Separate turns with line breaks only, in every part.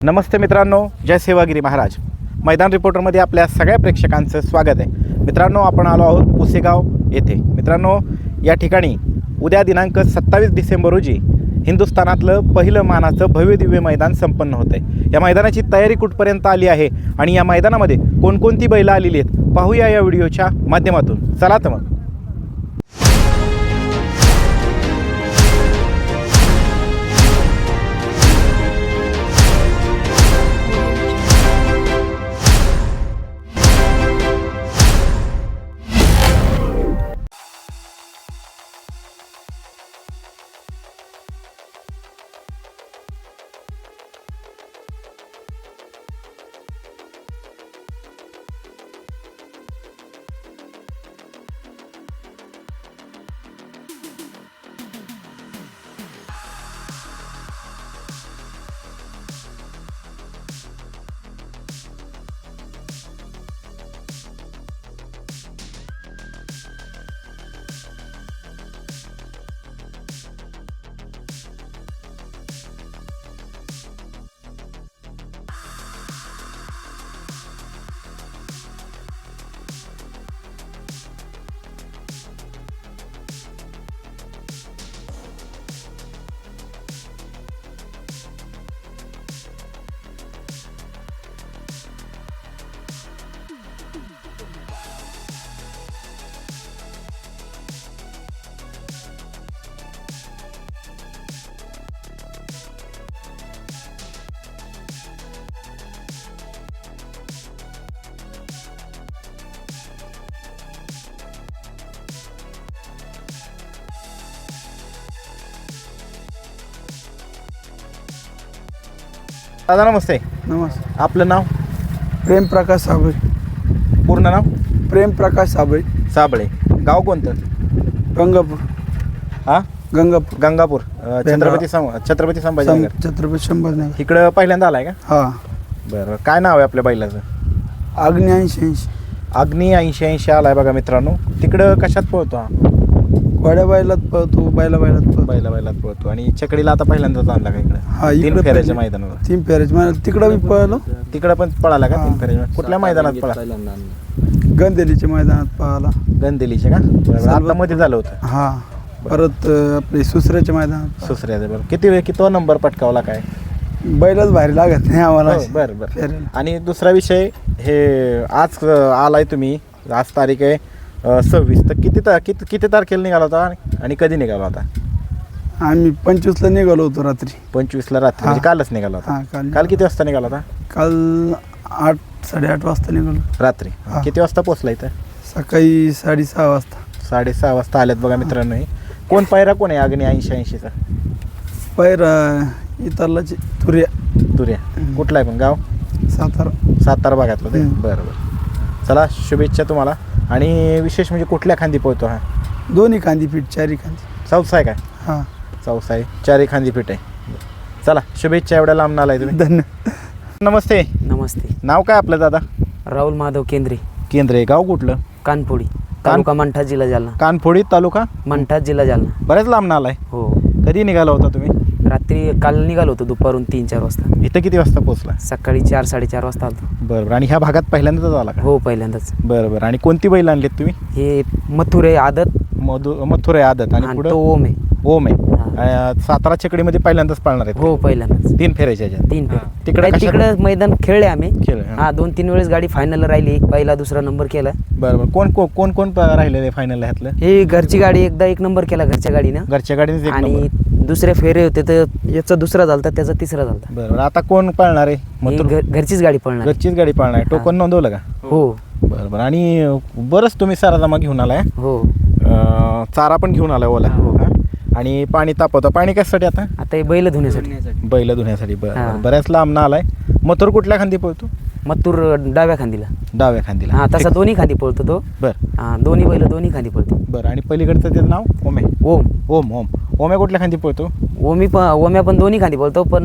नमस्ते मित्रांनो, जय सेवागिरी महाराज. मैदान रिपोर्टरमध्ये आपल्या सगळ्या प्रेक्षकांचं स्वागत आहे. मित्रांनो, आपण आलो आहोत पुसेगाव येथे. मित्रांनो, या ठिकाणी उद्या दिनांक 27 डिसेंबर रोजी हिंदुस्थानातलं पहिलं मानाचं भव्य दिव्य मैदान संपन्न होतं आहे. या मैदानाची तयारी कुठपर्यंत आली आहे आणि या मैदानामध्ये कोणकोणती बैलं आलेली आहेत पाहूया या व्हिडिओच्या माध्यमातून. चला तर मग. दादा नमस्ते.
नमस्ते.
आपलं नाव?
प्रेम प्रकाश साबळे.
पूर्ण नाव?
प्रेम प्रकाश साबळे.
साबळे. गाव कोणतं?
गंगापूर.
हां,
गंगापूर.
गंगापूर. छत्रपती संभाजीनगर.
छत्रपती संभाजीनगर.
इकडं पहिल्यांदा आलाय का?
हा.
बरं, काय नाव आहे आपल्या बैलाचं?
अग्नी 80.
अग्नी 80 आलाय बघा मित्रांनो. तिकडं कशात पळतो हा?
वाड्या बैलात पळतो, बैलात पळतो.
बैलात पळतो. आणि चकडीला आता पहिल्यांदाच आणला का इकडं?
हा,
3 फेऱ्याच्या मैदानावर.
3 फेऱ्याच्या मैदानात तिकडं मी पळलो.
तिकडं पण पळाला का? 3
हा.
फेऱ्याच्या. कुठल्या मैदानात पळाला?
गंदेलीच्या मैदानात पळाला.
गंदेलीचे का? बरं, आता मध्ये झालं होतं.
हा. परत आपले सुसऱ्याच्या मैदानात.
सुसऱ्याचं. बरं, किती नंबर पटकावला काय?
बैलच भारी लागत नाही आम्हाला.
बरं.
फेऱ्याला.
आणि दुसरा विषय, हे आज आलाय तुम्ही, आज तारीख आहे 26. तर किती तारखेला निघाला होता आणि कधी निघाला होता?
आम्ही 25ला निघालो होतो रात्री.
25ला रात्री, म्हणजे कालच निघाला होता.
हा,
काल किती वाजता निघाला होता?
काल 8-8:30 वाजता निघालो
रात्री.
हा.
किती वाजता पोहोचला इथं?
सकाळी 6:30 वाजता.
6:30 वाजता आल्यात बघा मित्रांनो. हे कोण पायरा कोण आहे अग्नी 80चा?
पैरा इतरलाची
तुर्या. कुठला आहे पण गाव? सातारा भागातलं ते. बरं. चला, शुभेच्छा तुम्हाला. आणि विशेष म्हणजे कुठल्या खांदी पोहतो हा?
दोन्ही खांदी पीठ, चारी खांदी.
चौसा आहे काय?
हां,
चौसा आहे, 4 खांदी पीठ आहे. चला, शुभेच्छा. एवढ्या लांब आलाय तुम्ही.
धन्यवाद.
नमस्ते.
नमस्ते.
नाव काय आपलं दादा?
राहुल माधव केंद्रे.
केंद्रे. गाव कुठलं?
कानफोडी तालुका मंठा जिल्हा जालना.
कानफोडी तालुका
मंठा जिल्हा जालना.
बऱ्याच लांब आलाय.
हो.
कधी निघाला होता तुम्ही?
रात्री काल निघालो होतो दुपारून 3-4 वाजता.
इथं किती वाजता पोहोचला?
सकाळी 4-4:30 वाजता आलो.
बरं. आणि ह्या भागात पहिल्यांदाच आला का?
हो, पहिल्यांदाच.
बरं. आणि कोणती बैल आणलीत तुम्ही?
हे मथुरे आदत
मथुर आहे आदत. आणि
आणि
पुढं
तो ओम आहे.
ओम आहे. सातारा चकडीमध्ये पहिल्यांदाच पाळणार आहेत?
हो, पहिल्यांदाच.
3 फेऱ्याच्या ह्याच्यात.
3
तिकडे
तिकडे मैदान खेळले आम्ही.
खेळ.
हा, 2-3 वेळेस गाडी फायनल राहिली. पहिला दुसरा नंबर केला.
बरं. कोण राहिलेलं आहे फायनल ह्यातलं?
हे घरची गाडी एकदा 1 नंबर केला घरच्या गाडीनं.
घरच्या गाडीने.
आणि दुसरे फेरे होते तर याचा दुसरा झालता, त्याचा तिसरा झालता.
बरं. आता कोण पाळणार आहे?
घरचीच गाडी पळणार.
घरचीच गाडी पाळणार आहे. टोकन नोंदवलं का?
हो.
बरं. आणि बरंच तुम्ही साराजमा घेऊन आलाय.
हो.
चारा पण घेऊन आलाय ओला.
हो.
आणि पाणी तापवतं. पाणी कशासाठी आता?
आता हे बैल धुण्यासाठी.
बैल धुण्यासाठी.
हा.
बऱ्याच लांब आलाय. मथुर कुठल्या खांदी पळतो?
मथुर डाव्या खांदीला.
डाव्या खांदीला.
हा, तसा दोन्ही खांदी पळतो तो.
बरं.
हा, दोन्ही बैल दोन्ही खांदी पळते.
बरं. आणि पलीकडचं त्याचं नाव? ओमे.
ओम.
ओम्या कुठल्या खांदी पळतो?
ओम्या पण दोन्ही खांदी पळतो, पण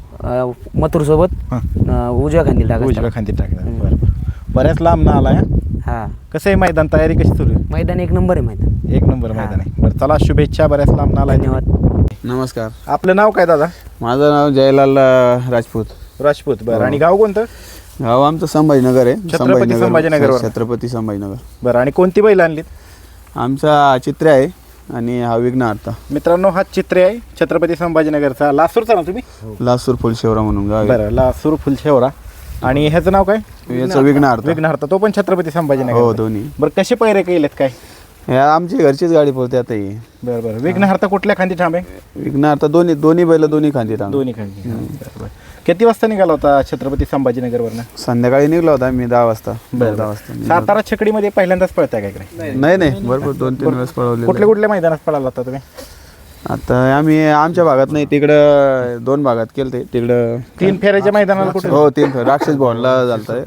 मथुर सोबत उजव्या खांदी टाकायचं.
उजव्या खांदी टाकतात. बरं. बऱ्याच लांब आलाय.
हा.
कसं आहे मैदान? तयारी कशी सुरू आहे?
मैदान 1 नंबर आहे. मैदान
1 नंबर मैदान आहे. बरं. चला, शुभेच्छा. बऱ्याच लांब आलाय.
धन्यवाद.
नमस्कार.
आपलं नाव काय दादा?
माझं नाव जयलाल राजपूत.
राजपूत बरं. आणि गाव कोणतं?
गाव आमचं संभाजीनगर आहे.
संभाजीनगरवर.
छत्रपती संभाजीनगर.
बरं. आणि कोणती बैल आणलीत?
आमचा चित्र आहे आणि हा विघ्नहर्ता.
मित्रांनो हा चित्रे आहे छत्रपती संभाजीनगरचा. लासूरचा ना तुम्ही?
लासूर फुलशेवरा म्हणून गाव आहे.
बरं. लासूर फुलशेवरा. आणि ह्याचं नाव काय?
याचं विघ्नहर्ता.
विघ्नहर्ता. तो पण छत्रपती संभाजीनगर.
हो दोन्ही.
बरं. कसे पैरे केलेत काय?
ह्या आमची घरचीच गाडी पळते आता ही.
बरं बरं. विघ्नहर्ता कुठल्या खांदी ठाम आहे?
विघ्नहर्ता दोन्ही बैल दोन्ही खांदी टांग.
दोन्ही खांदी. बरं बरं. किती वाजता निघाला होता छत्रपती संभाजीनगरवरनं?
संध्याकाळी निघलो होता मी 10 वाजता.
बरं.
10 वाजता.
सातारा छकडीमध्ये पहिल्यांदाच पळताय काय इकडे?
नाही भरपूर 2-3 वेळेस पळवले.
कुठल्या कुठल्या मैदानात पळाला होता तुम्ही?
आता आम्ही आमच्या भागात नाही, तिकडं 2 भागात केलं ते. तिकडं
3 फेऱ्याच्या मैदानाला कुठे?
हो 3 राक्षस भवनला झालता.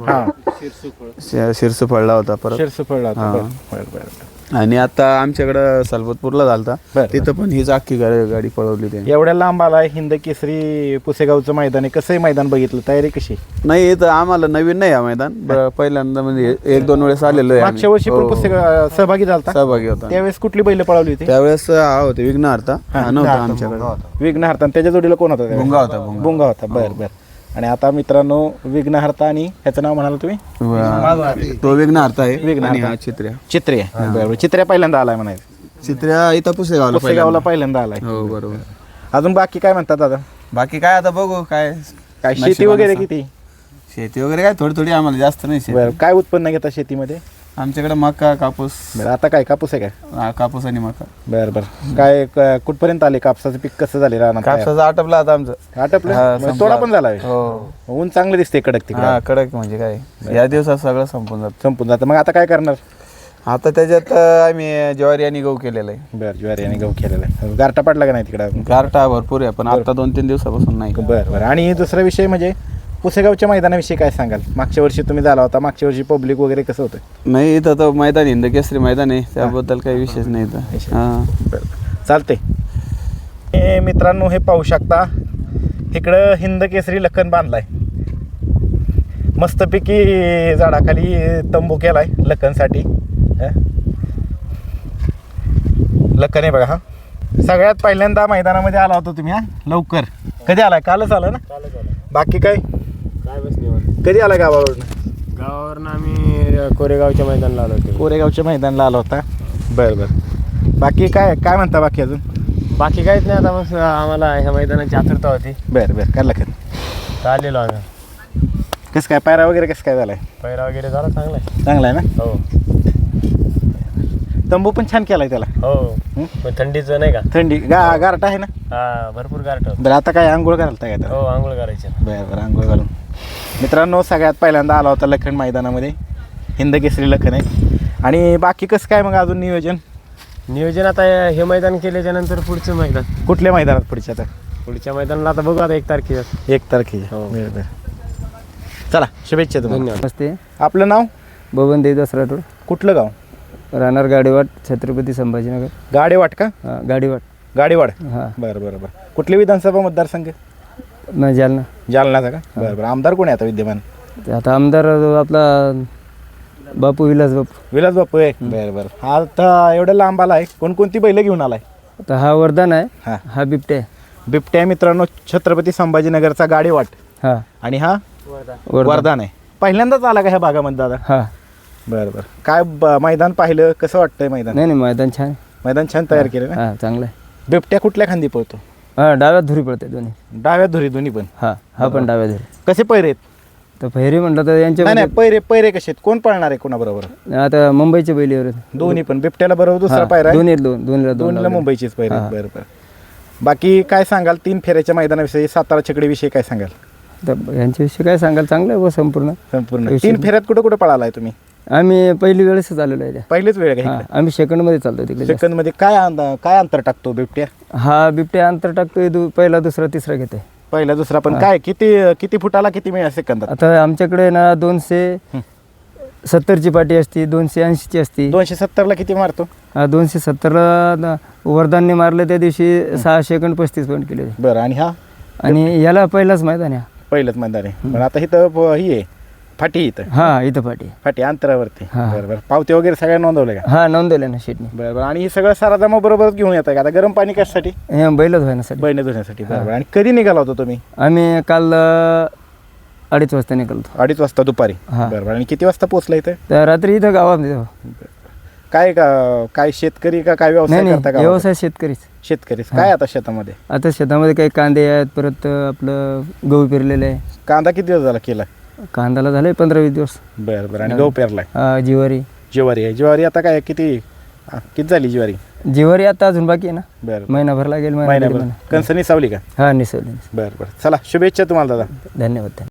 हा.
शिरसू पडला होता परत.
शिरसू पळला होता.
हा.
बरं बरं बरं.
आणि आता आमच्याकडं सलबतपूरला झालता.
बरं.
तिथं पण हीच अख्खी गाडी पळवली ते.
एवढ्या लांब आलाय. हिंद केसरी पुसेगावचं मैदान आहे. कसंही मैदान बघितलं, तयारी कशी?
नाही इथं आम्हाला नवीन नाही हा मैदान. पहिल्यांदा म्हणजे 1-2 वेळेस आलेलो आहे.
मागच्या वर्षी पण पुसेगाव सहभागी झालता.
सहभागी होता.
त्यावेळेस कुठली बैल पळवली होती?
त्यावेळेस हा होते विघ्नहर्ता. हा नव्हता आमच्याकडे.
विघ्नहर्ता. आणि त्याच्या जोडीला कोण होता त्यावेळेस?
भुंगा होता.
बुंगा होता. बरं बरं. आणि आता मित्रांनो विघ्नहर्ता आणि ह्याचं नाव म्हणाल तुम्ही?
तो विघ्नहर्ता आहे.
विघ्नहर्ता.
आणि हा चित्र्या.
चित्रे. बरोबर. चित्र्या पहिल्यांदा आलाय म्हणायचं.
चित्र्या इथं पुसेगावला
पुसेगावला पहिल्यांदा आलाय.
हो बरोबर.
अजून बाकी काय म्हणतात दादा?
बाकी काय आता बघू काय
शेती वगैरे किती?
शेती वगैरे काय थोडी आम्हाला जास्त नाही शेती.
बरं. काय उत्पन्न घेता शेतीमध्ये?
आमच्याकडे मका कापूस.
बरं. आता काय कापूस आहे काय?
कापूस आणि मका.
बरं बरं. काय कुठपर्यंत आले? कापसाचं पीक कसं झाले राहणार?
कापसाचं आटपला आता आमचं.
आटपलं?
हा,
म्हणजे तोडा पण झाला आहे?
हो.
ऊन चांगलं दिसते कडक तिकडे.
हा कडक म्हणजे काय या दिवसात सगळं संपून जात.
संपून जातं. मग आता काय करणार?
आता त्याच्यात आम्ही ज्वारी आणि गहू केलेलं आहे.
बरं. ज्वारी आणि गहू केलेला आहे. गारटा पडला का नाही तिकडे?
गारठा भरपूर आहे पण आता 2-3 दिवसापासून नाही.
बरं बरं. आणि दुसरा विषय म्हणजे पुसेगावच्या मैदानाविषयी काय सांगाल? मागच्या वर्षी तुम्ही झाला होता. मागच्या वर्षी पब्लिक वगैरे कसं होतं?
नाही इथं तर मैदान हिंद केसरी मैदान आहे, त्याबद्दल काही विशेष नाही इथं. हां
बरं. चालते. मित्रांनो हे पाहू शकता, इकडं हिंद केसरी लखन बांधलाय. मस्तपैकी झाडाखाली तंबू केलाय लखनसाठी. लखन आहे बघा. हा सगळ्यात पहिल्यांदा मैदानामध्ये आला होता तुम्ही. हा लवकर कधी आलाय? कालच आला ना? बाकी काय कधी आला गावावरून?
गावावरून आम्ही कोरेगावच्या मैदानाला आलो होतो.
कोरेगावच्या मैदानाला आला होता. बरं बरं. बाकी काय काय म्हणता बाकी अजून?
बाकी काहीच नाही. आता बस आम्हाला ह्या मैदानाची आतुरता होती.
बरं बरं. काय लखन
तर आलेलो आम्ही.
कसं काय पायरा वगैरे कसं काय झालाय?
पैरा वगैरे झाला चांगला आहे.
चांगला आहे ना?
हो
तंबू पण छान केलाय त्याला.
हो. पण थंडीचं नाही का?
थंडी गारटा आहे ना?
हा भरपूर गारठ होतं.
बरं. आता काय आंघोळ घालता काय?
हो आंघोळ करायची.
बरं बरं. आंघोळ घालून. मित्रांनो सगळ्यात पहिल्यांदा आला होता लखन मैदानामध्ये. हिंद केसरी लखन आहे. आणि बाकी कसं काय मग अजून नियोजन
आता हे मैदान केल्याच्या नंतर पुढचं मैदान
कुठल्या मैदानात पुढच्या? आता
पुढच्या मैदानाला आता बघू आता 1 तारखेला.
1 तारखेला.
हो.
बरं बरं. चला शुभेच्छा तुम्हाला.
धन्यवाद.
नमस्ते.
आपलं नाव?
बबन देवदास राठोड.
कुठलं गाव?
राहणार गाडीवाट, छत्रपती संभाजीनगर.
गाडेवाट का?
गाडीवाट.
गाडेवाड.
हां.
बरं बरं बरं. कुठली विधानसभा मतदारसंघ?
जालना.
जालनाचा का? बरं बरं. आमदार कोण आहे आता विद्यमान?
ते आता आमदार आपला बापू विलास बापू.
विलास बापू आहे. बरं बरं. आता एवढं लांब आलाय. कोणकोणती बैलं घेऊन आलाय?
आता हा वरदान आहे.
हां.
हा बिबटे आहे.
बिबट्या मित्रांनो छत्रपती संभाजीनगरचा गाडेवाट.
हा
आणि हा वरदान आहे. पहिल्यांदाच आला का ह्या भागामध्ये दादा?
हा.
बरं बरं. काय मैदान पाहिलं कसं वाटतंय मैदान?
नाही मैदान छान आहे.
मैदान छान तयार केलं ना?
हा चांगलं आहे.
बिबट्या कुठल्या खांदी पळतो?
हा डाव्यात धुरी पडते दोन्ही.
डाव्या धुरी दोन्ही पण?
हा पण डाव्या धुरी.
कसे पैरे आहेत?
तर फेरी म्हटलं तर यांच्या
नाही पैरे कसे आहेत? कोण पळणार आहे कोणाबरोबर?
आता मुंबईच्या बैलीवर
दोन्ही पण. बिबट्याला बरोबर दुसरा पायरा आहे?
दोन्हीला
दोन्हीला मुंबईचीच पैरे आहेत. बरं बरं. बाकी काय सांगाल 3 फेऱ्याच्या मैदानाविषयी, सातारा छकडीविषयी काय सांगाल?
तर यांच्याविषयी काय सांगाल? चांगलं आहे व संपूर्ण.
3 फेऱ्यात कुठं कुठं पळालाय तुम्ही?
आम्ही पहिली वेळेसच आलेलो आहे.
पहिलेच वेळ का?
आम्ही सेकंडमध्ये चालतो तिकडे.
सेकंद मध्ये काय अंतर टाकतो बिबट्या?
हा बिबट्या अंतर टाकतोय पहिला दुसरा तिसरा घेते.
पहिला दुसरा पण काय किती फुटाला किती मिळेल सेकंदात?
आता आमच्याकडे ना 270ची पाटी असती, 280ची असती.
270ला किती मारतो?
270ला वरदानने मारलं त्या दिवशी 6 सेकंद 35 पॉईंट केले.
बरं. आणि हा?
आणि याला पहिलाच मैदान आहे.
पहिलंच मैदान आहे. पण आता इथं ही आहे फाटी. इथं
इथं फाटी
अंतरावरती.
हा.
बरं बरं. पावते वगैरे सगळ्या नोंदवले का?
नोंदवले ना शेटने.
बरं बरं. आणि हे सगळं साराजमा बरोबरच घेऊन येत आहे का? आता गरम पाणी कशासाठी?
बैलच व्हायसाठी.
बैल धुण्यासाठी. बरोबर. आणि कधी निघाला होता तुम्ही?
आम्ही काल
2:30 वाजता निघालतो.
2:30 वाजता दुपारी.
हा.
बरं आणि किती वाजता पोहोचला इथे?
तर रात्री इथं गावामध्ये
काय शेतकरी का काय
नाही
व्यवसाय
नाही
करता का?
व्यवसाय शेतकरीच.
शेतकरीच. काय आता शेतामध्ये?
आता शेतामध्ये काही कांदे आहेत, परत आपलं गहू पेरलेलं आहे.
कांदा किती दिवस झाला केला?
कांद्याला झाले 15-20 दिवस.
बरं आणि गहू पेरलाय?
जिवारी.
ज्वारी आहे. ज्वारी आता काय किती झाली ज्वारी?
जिवारी आता अजून बाकी आहे ना,
बरं
महिनाभर लागेल.
महिन्याभर. कणसं निसावली का?
हा निसवली.
बरं चला शुभेच्छा तुम्हाला दादा.
धन्यवाद.